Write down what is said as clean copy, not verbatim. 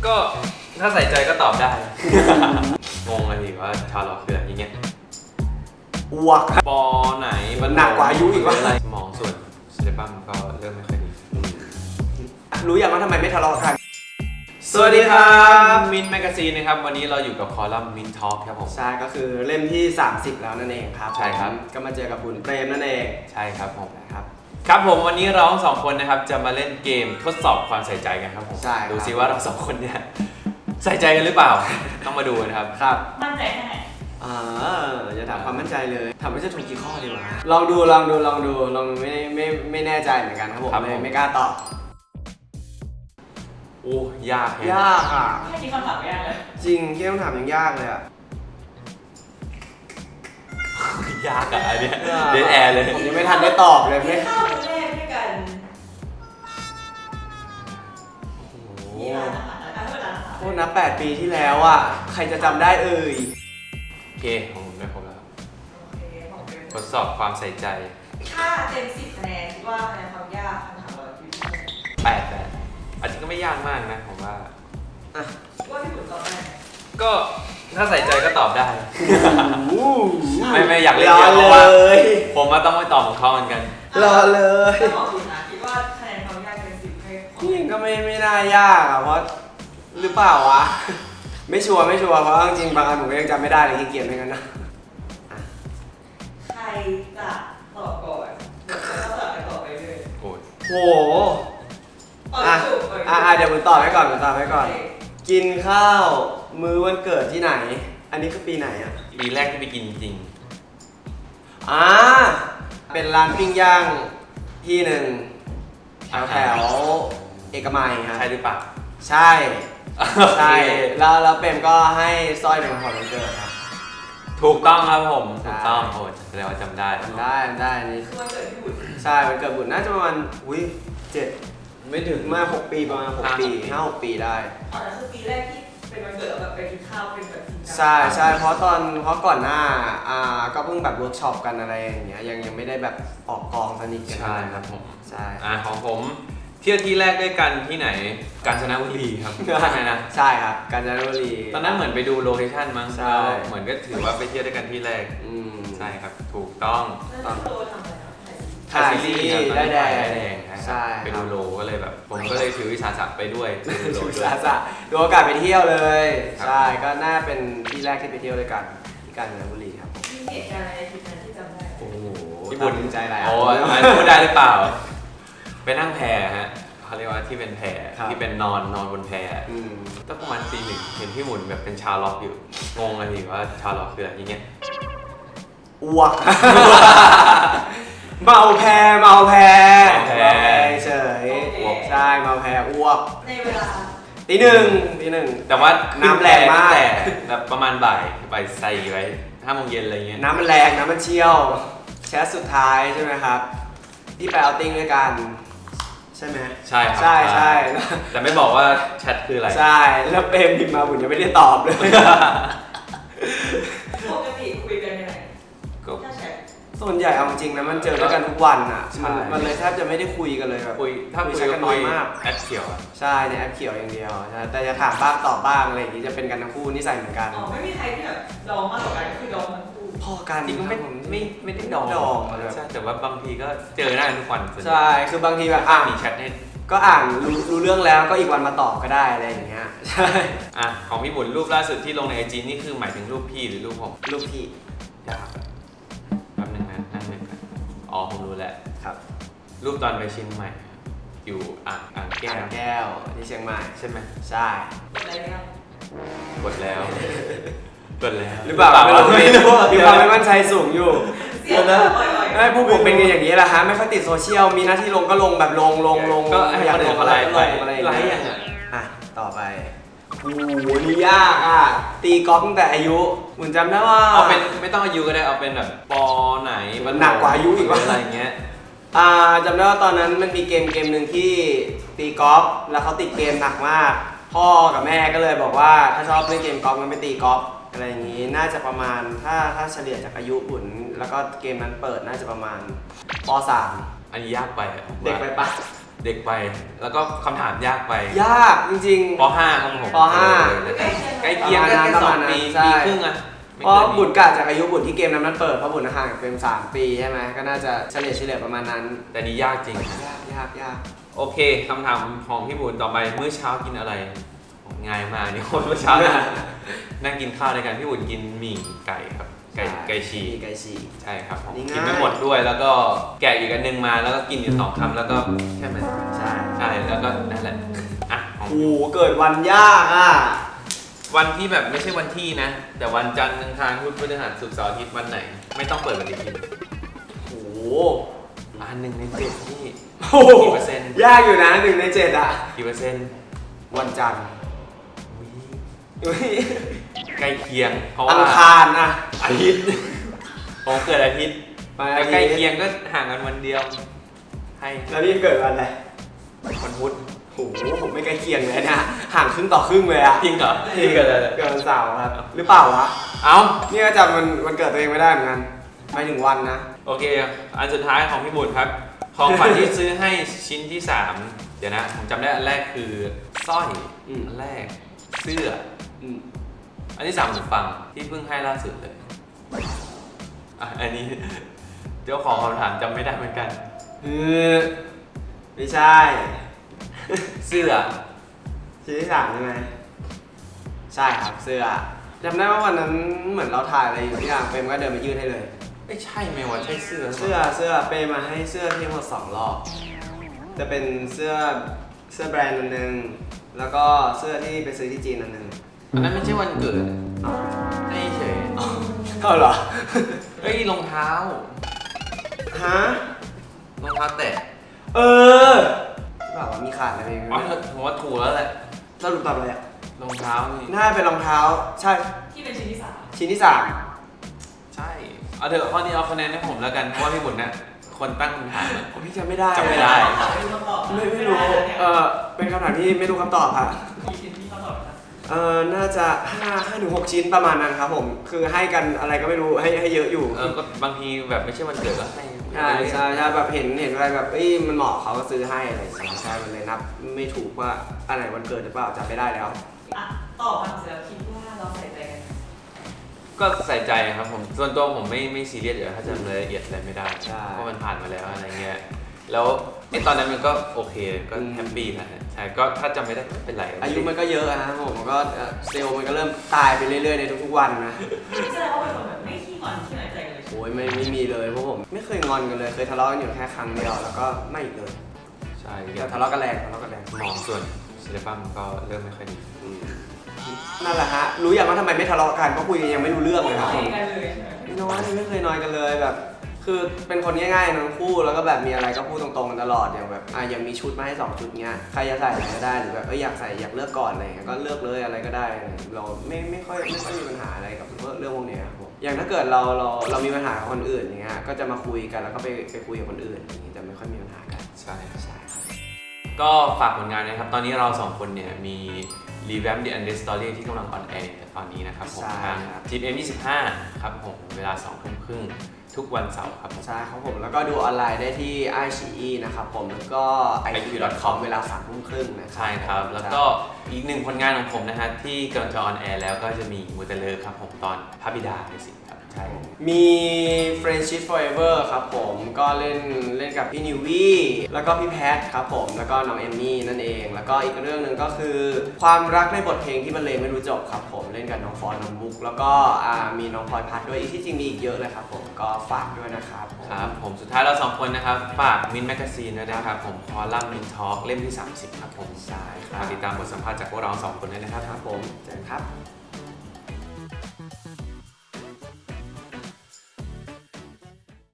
ก็ถ้าใส่ใจก็ตอบได้ งงเลยว่าชาวล็อกคืออะไรอย่างเงี้ยอ้วกปอไหนมันหนักกว่าอายุอีกวะสมองส่วนเซเลบัมก็เริ่มไม่ค่อยดีรู้อย่างว่าทำไมไม่ทะเลาะกันสวัสดีครับมินแมกซีนนะครับวันนี้เราอยู่กับคอลัมน์มินทอล์กครับผมใช่ก็คือเล่มที่30แล้วนั่นเองครับใช่ครับก็มาเจอกับบุญเปรมนั่นเองใช่ครับผมนะครับครับผมวันนี้เราทั้งสองคนนะครับจะมาเล่นเกมทดสอบความใส่ใจกันครับผมใช่ดูซิว่าเราสองคนเนี่ยใส่ใจกันหรือเปล่าต้องมาดูนะครับครับมั่นใจแค่ไหนอย่าถามความมั่นใจเลยถามว่าจะถูกกี่ข้อดีวะลองดูไม่แน่ใจเหมือนกันครับผมไม่กล้าตอบโอ้ยากยากอ่ะไม่คิดคำถามยากเลยจริงที่คำถามยังยากเลยอ่ะยากอะอันเนี้ยเดนแอร์เลยผมยังไม่ทันได้ตอบเลยไม่เข้าแรกด้วยกันนี่ร้านอาหารนะคะเท่านั้นค่ะโทษนะ8 ปีที่แล้วอ่ะใครจะจำได้เอ่ยโอเคของผมได้ครบแล้วโอเคของเบลทดสอบความใส่ใจถ้าเต็ม10คะแนนคิดว่าคะแนนความยากคำถามเราอยู่ที่ 8อาจจะก็ไม่ยากมากนะผมว่าว่าพี่บุญตอบได้ก็ถ้าใส่ใจก็ตอบได้ไม่อยากเล่นเยอะเพราะว่าผมมาต้องไปตอบของเขาเหมือนกันรอเลยถ้าของคุณนะคิดว่าคะแนนความยากเต็ม10ให้นี่ก็ไม่น่ายากอ่ะเพราะหรือเปล่าวะไม่ชัวร์เพราะจริงบางอันผมก็ยังจำไม่ได้เลยขี้เกียจเหมือนกันนะใครจะตอบก่อนเดี๋ยวเราตอบไปต่อไปเลยโอ้โหเดี๋ยวผมตอบไว้ก่อนกินข้าวมื้อวันเกิดที่ไหนอันนี้คือปีไหนอ่ะปีแรกที่ไปกินจริงเป็นร้านปิ้งย่างที่หนึ่งแถวเอกมัยครับใช่หรือเปล่าใช่แล้วเปรมก็ให้สร้อยเป็นของวันเกิดครับถูกต้องครับผมถูกต้องโอ้แสดงว่าจำได้นี่คือวันเกิดพี่บุญใช่วันเกิดบุญน่าจะประมาณ7ไม่ถึงมา6 ปีประมาณ6 ปี5-6 ปีได้แต่คือปีแรกที่เป็นวันเกิดแบบไปกินข้าวเป็นแบบจริงจังใช่เพราะก่อนหน้าก็เพิ่งแบบเวิร์กช็อปกันอะไรอย่างเงี้ยยังไม่ได้แบบออกกองสนิทกันใช่ครับผมใช่ของผมเที่ยวที่แรกด้วยกันที่ไหนกาญจนบุรีครับใช่นะใช่ครับกาญจนบุรีตอนนั้นเหมือนไปดูโลเคชั่นมั้งใช่เหมือนก็ถือว่าไปเที่ยวด้วยกันที่แรกใช่ครับถูกต้องตอนโตทำอะไรถ่ายซีรีส์ได้แดงใช่ไปดูโลก็เลยแบบผมก็เลยถือวิสาสะไปด้วยวิสาสะดูโอกาสไปเที่ยวเลยใช่ก็น่าเป็นที่แรกที่ไปเที่ยวด้วยกันที่กาญจนบุรีครับมีเหตุการณ์อะไรที่นั้นที่จำได้โอ้โหที่บุญใจอะไรโอ้พูดได้หรือเปล่าไปนั่งแพฮะเขาเรียกว่าที่เป็นแพที่เป็นนอนบนแพก็ประมาณตี 1เห็นพี่หมุนแบบเป็นชาวล็อกอยู่งงเลยว่าชาวล็อกคืออะไรอย่างเงี้ยอ้วกเมาแพเฉยใช่เมาแพอ้วกในเวลาตีหนึ่งแต่ว่าน้ำแรงมากแต่แบบประมาณบ่ายใส่ไว้5 โมงเย็นอะไรเงี้ยน้ำมันแรงน้ำมันเชี่ยวแชทสุดท้ายใช่ไหมครับที่ไปเอาติ้งด้วยกันใช่ไหมใช่ครับใช่แต่ไม่บอกว่าแชทคืออะไรใช่แล้วเปรมพิมพ์มาผมยังไม่ได้ตอบเลยปกติคุยกันยังไงถ้าแชทส่วนใหญ่เอาจริงนะมันเจอด้วยกันทุกวันอ่ะมันเลยแทบจะไม่ได้คุยกันเลยแบบถ้าคุยกันน้อยมากแอปเขียวใช่ในแอปเขียวอย่างเดียวแต่จะถามบ้างตอบบ้างอะไรอย่างนี้จะเป็นกันทั้งคู่นิสัยเหมือนกันไม่มีใครที่แบบดองมากกว่ากันคือดองทั้งคู่พอกันจริงไม่ได้ดองใช่แต่ว่าบางทีก็เจอหน้าทุกวันใช่คือบางทีแบบมีแชทให้ก็รู้เรื่องแล้วก็อีกวันมาตอบก็ได้อะไรอย่างเงี้ยใช่ของพี่บุญรูปล่าสุดที่ลงใน IG นี่คือหมายถึงรูปพี่หรือรูปผมรูปพี่ยากแป๊บนึงนะนั่งนึงกันผมรู้แล้วครับรูปตอนไปเชียงใหม่อยู่อ่างแก้วที่เชียงใหม่ใช่ไหมใช่กดแล้วหรือเปล่าไม่รู้มีความไม่มั่นใจสูงอยู่ไม่ผู้ผมเป็นอย่างนี้แหละฮะไม่ค่อยติดโซเชียลมีหน้าที่ลงก็ลงแบบลงก็อยากลงอะไรไลฟ์อย่างต่อไปโอ้โหนี่ยากตีกอล์ฟตั้งแต่อายุเหมือนจำได้ว่าเอาเป็นไม่ต้องอายุก็ได้เอาเป็นแบบปอไหนมันหนักกว่าอายุอีกอะไรเงี้ยจำได้ว่าตอนนั้นมันมีเกมหนึ่งที่ตีกอล์ฟแล้วเขาติดเกมหนักมากพ่อกับแม่ก็เลยบอกว่าถ้าชอบเล่นเกมกอล์ฟมันไปตีกอล์ฟอะไรอย่างนี้น่าจะประมาณถ้าเฉลี่ยจากอายุบุญแล้วก็เกมนั้นเปิดน่าจะประมาณป.3 อันนี้ยากไปเด็กไปปะเด็กไปแล้วก็คำถามยากไปยากจริงป .5 ครับผมปใกล้เคียงกันแค่2 ปีใช่ปีครึ่งอะเพราะบุญกะจากอายุบุญที่เกมนั้นเปิดเพราะบุญห่างกันเป็น3 ปีใช่ไหมก็น่าจะเฉลี่ยประมาณนั้นแต่นี่ยากจริงยากโอเคคำถามของพี่บุญต่อไปมื้อเช้ากินอะไรง่ายมากนี่คนมื้อเช้านั่งกินข้าวด้วยกันพี่บุญกินหมี่ไก่ครับไก่ฉีไก่ฉีกใช่ครับผมนี่ง่ายกินไม่หมดด้วยแล้วก็แกะอีกอันนึงมาแล้วก็กินอยู่2 คำแล้วก็แค่นั้นใช่ใช่แล้วก็นั่นแหละอ่ะของโอ้โหเกิดวันยากอ่ะวันที่แบบไม่ใช่วันที่นะ แต่วันจันทร์อังคารพุธพฤหัสศุกร์เสาร์อาทิตย์วันไหน ไม่ต้องเปิดปฏิทินโอ้โหอัน1 ใน 7ที่โอ้โหกี่เปอร์เซ็นต์ยากอยู่นะ1 ใน 7อ่ะกี่เปอร์เซ็นต์วันจันทร์อุ๊ยใกล้เคียงเพราะอัว่างคารนะอาทิตย์ผมเกิดอาทิตย์ไปแต่ใกล้เคียงก็ห่างกันวันเดียวให้แล้วพี่เกิดวันอะไรวันพุธโอ้โหผมไม่ใกล้เคียงเลยนะห่างครึ่งต่อครึ่งเลยอ่ะจริงเหรอพี่เกิดอะไรเกิดวันเสาร์ครับหรือเปล่าวะเอ้านี่ก็จำวันเกิดตัวเองไม่ได้เหมือนกันไม่ถึงวันนะโอเค อันสุดท้ายของพี่บุญครับ ของขวัญที่ซื้อให้ชิ้นที่ 3 เดี๋ยวนะผมจำได้อันแรกคือสร้อย อันแรกเสื้อ อันที่ 3หูฟังที่เพิ่งให้ล่าสุดเลยอ่ะอันนี้เจ้าของคำถามจำไม่ได้เหมือนกันไม่ใช่เสื้อชิ้นที่ 3ใช่ไหมใช่ครับเสื้อจำได้ว่าวันนั้นเหมือนเราถ่ายอะไรอยู่ที่อย่างเปรมก็เดินมายื่นให้เลยไม่ใช่ไหมวะใช่เสื้อเสื้อเปรมมาให้เสื้อที่ทั้งหมด2 รอบจะเป็นเสื้อแบรนด์อันนึงแล้วก็เสื้อที่ไปซื้อที่จีนอันนึงอันนั้นไม่ใช่วันเกิดให้เฉยเอาเหรอเฮ้ยรองเท้าฮะรองเท้าแตะแบบว่ามีขาดอะไรไหมอ๋อผมว่าถูกแล้วแหละสรุปตอบอะไรอ่ะรองเท้านี่น่าจะเป็นรองเท้าใช่ที่เป็นชิ้นที่ชิ้นที่ใช่เอาเถอะข้อนี้เอาคะแนนให้ผมแล้วกันเพราะว่าพี่บุญเนี่ยคนตั้งคำถามอะ 3พี่จำไม่ได้จำไม่ได้ 3ไม่รู้คำตอบไม่รู้เป็นคำถามที่ไม่รู้คำตอบค่ะมีชิ้นที่คำตอบครับน่าจะ5 ถึง 6 ชิ้นประมาณนั้นครับผมคือให้กันอะไรก็ไม่รู้ให้เยอะอยู่ก็บางทีแบบไม่ใช่วันเกิดก็ให้ใช่แบบเห็นอะไรแบบมันเหมาะเขาก็ซื้อให้อะไรอย่างเงี้ยใช่มันเลยนับไม่ถูกว่าอันไหนวันเกิดหรือเปล่าจำไม่ได้แล้วอ่ะตอบมาเสร็จแล้วคิดว่าเราใส่ใจกันก็ใส่ใจครับผมส่วนตัวผมไม่ซีเรียสอยู่ถ้าจำรายละเอียดอะไรไม่ได้ใช่เพราะมันผ่านมาแล้วอะไรเงี้ยแล้วตอนนั้นมันก็โอเคก็แฮปปี้นะฮะใช่ก็ถ้าจำไม่ได้ไม่เป็นไรอายุมันก็เยอะนะครับผมมันก็เซลล์มันก็เริ่มตายไปเรื่อยๆในทุกๆวันนะแสดงว่าเป็นคนแบบไม่ขี้งอนขี้น้อยใจกันเลยใช่ไหมโอ้ยไม่มีเลยเพราะผมไม่เคยงอนกันเลยเคยทะเลาะกันอยู่แค่ครั้งเดียวแล้วก็ไม่อีกเลยใช่แต่ทะเลาะกันแรงหมอส่วนศิลปะมันก็เริ่มไม่ค่อยดีนั่นแหละฮะรู้อย่างว่าทำไมไม่ทะเลาะกันเพราะคุยกันยังไม่รู้เรื่องเลยครับไม่ผมกันเลยใช่ไหมไม่เคยนอยกันเลยแบบ คือเป็นคนง่ายๆทั้งคู่แล้วก็แบบมีอะไรก็พูดตรงๆกันตลอดอย่างแบบยังมีชุดมาให้2 ชุดเงี้ยใครจะใส่อะไรก็ได้หรือแบบอยากใส่อยากเลือกก่อนอะไรเงี้ยก็เลือกเลยอะไรก็ได้เราไม่ค่อยมีปัญหาอะไรกับเรื่องพวกเนี้ยครับผมอย่างถ้าเกิดเรามีปัญหากับคนอื่นอย่างเงี้ยก็จะมาคุยกันแล้วก็ไปคุยกับคนอื่นอย่างงี้จะไม่ค่อยมีปัญหากันใช่ใช่ครับก็ฝากผลงานนะครับ ตอนนี้เรา2 คนเนี่ยมี Revamp the Undead Story ที่กำลังออนแอร์ตอนนี้นะครับผมทาง GMM25 ครับผมเวลา 20:30 ทุกวันเสาร์ครับผมใช่ครับผมแล้วก็ดูออนไลน์ได้ที่ iQIYI นะครับผมแล้วก็ iq.com เวลา 3:30 นะครับใช่ครับ แล้วก็อีก1 ผลงานของผมนะฮะที่กำลังจะออนแอร์แล้วก็จะมีมูเตเลอร์ครับผมตอนพระบิดาในสิงครับใช่มี Friendship Forever ครับผมก็เล่นกับพี่นิววี่แล้วก็พี่แพทครับผมแล้วก็น้องเอมมี่นั่นเองแล้วก็อีกเรื่องหนึ่งก็คือความรักในบทเพลงที่บรรเลงไม่รู้จบครับผมเล่นกับน้องฟอนน้องบุ๊กแล้วก็มีน้องพลอยพัดด้วยที่จริงมีอีกเยอะเลยครับผมก็ฝากด้วยนะครับผมครับผมสุดท้ายเรา2 คนนะครับฝากมินแมกซีนด้วยนะครับผมคอลัมน์มินทอล์กเล่มที่ 30 ครับผมใช่ครัฝาบกติดตามบทสัมภาษณ์จากพวกเรา2 คนด้วยนะครับครับผมเจอกันครับ